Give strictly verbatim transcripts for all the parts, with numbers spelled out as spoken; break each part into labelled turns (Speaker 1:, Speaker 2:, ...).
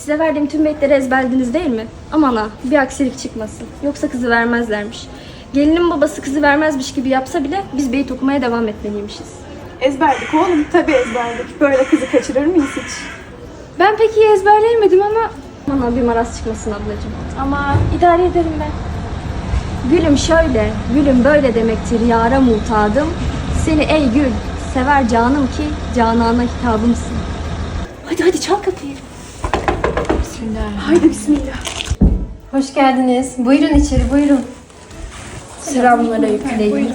Speaker 1: Size verdiğim tüm beyitleri ezberlediniz değil mi? Aman ha, bir aksilik çıkmasın. Yoksa kızı vermezlermiş. Gelinin babası kızı vermezmiş gibi yapsa bile biz beyit okumaya devam etmeliymişiz.
Speaker 2: Ezberdik oğlum, tabii ezberdik. Böyle kızı kaçırır mıyız hiç?
Speaker 1: Ben pek iyi ezberleyemedim ama... Aman ha, bir maraz çıkmasın ablacığım.
Speaker 2: Ama idare ederim ben.
Speaker 1: Gülüm şöyle, gülüm böyle demektir yâra mutadım. Seni ey gül, sever canım ki canana hitabımsın.
Speaker 2: Hadi hadi çal kapıyı.
Speaker 3: Bismillahirrahmanirrahim.
Speaker 2: Haydi bismillah.
Speaker 3: Hoş geldiniz. Buyurun içeri, buyurun.
Speaker 1: Selamlara yükleyin.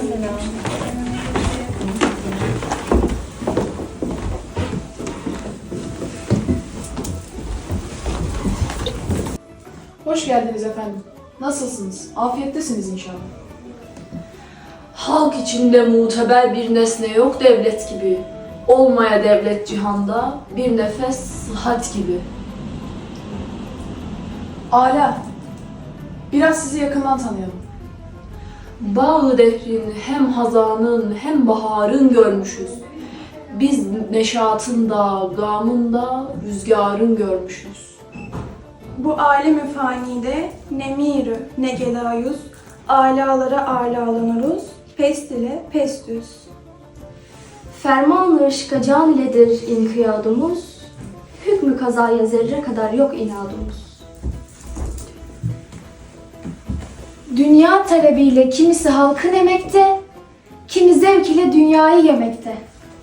Speaker 4: Hoş geldiniz efendim. Nasılsınız? Afiyettesiniz inşallah.
Speaker 5: Halk içinde muteber bir nesne yok devlet gibi. Olmaya devlet cihanda bir nefes sıhhat gibi.
Speaker 4: Ala. Biraz sizi yakından tanıyalım.
Speaker 5: Bağı dehrin hem hazanın hem baharın görmüşüz. Biz neşatın da gamın da rüzgarın görmüşüz.
Speaker 2: Bu alem-i fanide ne mirü ne gelayüz, alalara alalanırız, pest ile pestüz.
Speaker 1: Ferman-ı ışka can iledir inkiyadımız, hükmü kazaya zerre kadar yok inadımız.
Speaker 6: Dünya talebiyle kimisi halkın emekte, kimi zevk ile dünyayı yemekte.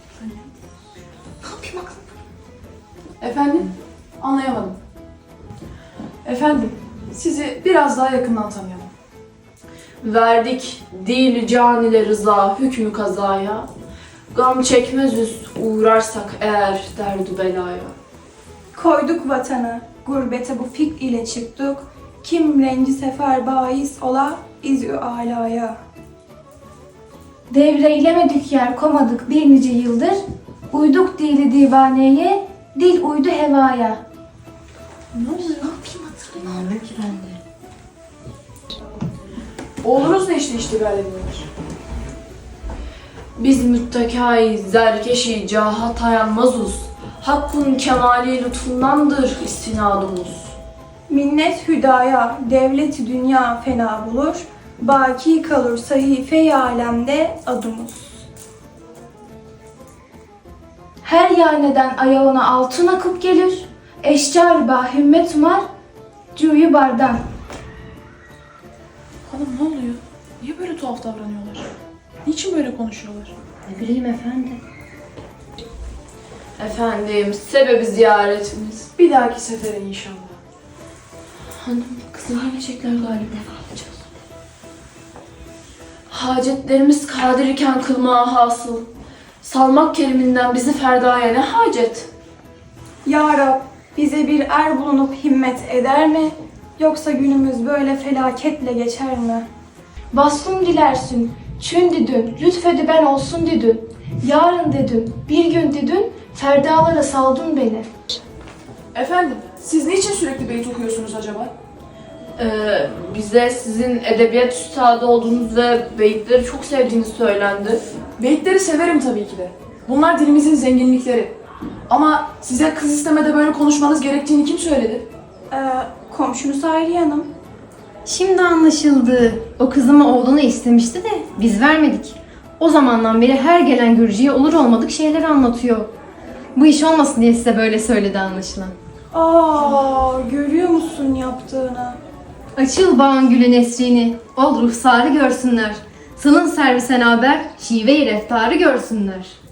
Speaker 4: Efendim? Anlayamadım. Efendim, sizi biraz daha yakından tanıyalım.
Speaker 5: Verdik dil can ile rıza hükmü kazaya. Gam çekmez üst uğrarsak eğer derdu belaya.
Speaker 2: Koyduk vatanı, gurbete bu fik ile çıktık, kim renci sefer bahis ola izü alaya.
Speaker 6: Devreylemedik yer komadık bir nice yıldır, uyduk dili divaneye, dil uydu hevaya.
Speaker 4: Ne oluyor? Oğlunuz ne işte iştigal ediyorlar?
Speaker 5: Biz müttekâi zerkeşi caha tayanmazuz. Hakkın kemali lütfundandır istinadımız.
Speaker 2: Minnet hüdaya, devleti dünya fena bulur, baki kalır sahife-i alemde adımız.
Speaker 6: Her yaneden ayağına altın akıp gelir, eşcar ba hümmet umar, cuyu bardan.
Speaker 4: Hanım ne oluyor? Niye böyle tuhaf davranıyorlar? Niçin böyle konuşuyorlar?
Speaker 3: Ne bileyim efendim.
Speaker 5: Efendim, sebebi ziyaretimiz.
Speaker 4: Bir dahaki sefere inşallah.
Speaker 5: Hanım, kızı verecekler galiba. Ne yapacağız? Hacetlerimiz kadir iken kılmaya hasıl. Salmak keriminden bizi ferdaya ne hacet?
Speaker 2: Ya Rab, bize bir er bulunup himmet eder mi? Yoksa günümüz böyle felaketle geçer mi?
Speaker 6: Vasfım dilersin, çün didün, lütfedi ben olsun didün. Yarın dedin, bir gün didün, ferdalara saldın beni.
Speaker 4: Efendim, siz niçin sürekli beyit okuyorsunuz acaba?
Speaker 5: Ee, bize sizin edebiyat üstadı olduğunuz ve beyitleri çok sevdiğiniz söylendi.
Speaker 4: Beyitleri severim tabii ki de. Bunlar dilimizin zenginlikleri. Ama size kız istemede böyle konuşmanız gerektiğini kim söyledi?
Speaker 2: Ee, komşunuz Hayriye Hanım.
Speaker 3: Şimdi anlaşıldı. O kızımı oğlunu istemişti de biz vermedik. O zamandan beri her gelen görücüye olur olmadık şeyler anlatıyor. Bu iş olmasın diye size böyle söyledi anlaşılan.
Speaker 2: Aa, görüyor musun yaptığını?
Speaker 3: Açıl bağın gülü nesrini, ol ruhsarı görsünler. Sılın servisen haber, şive-i reftarı görsünler.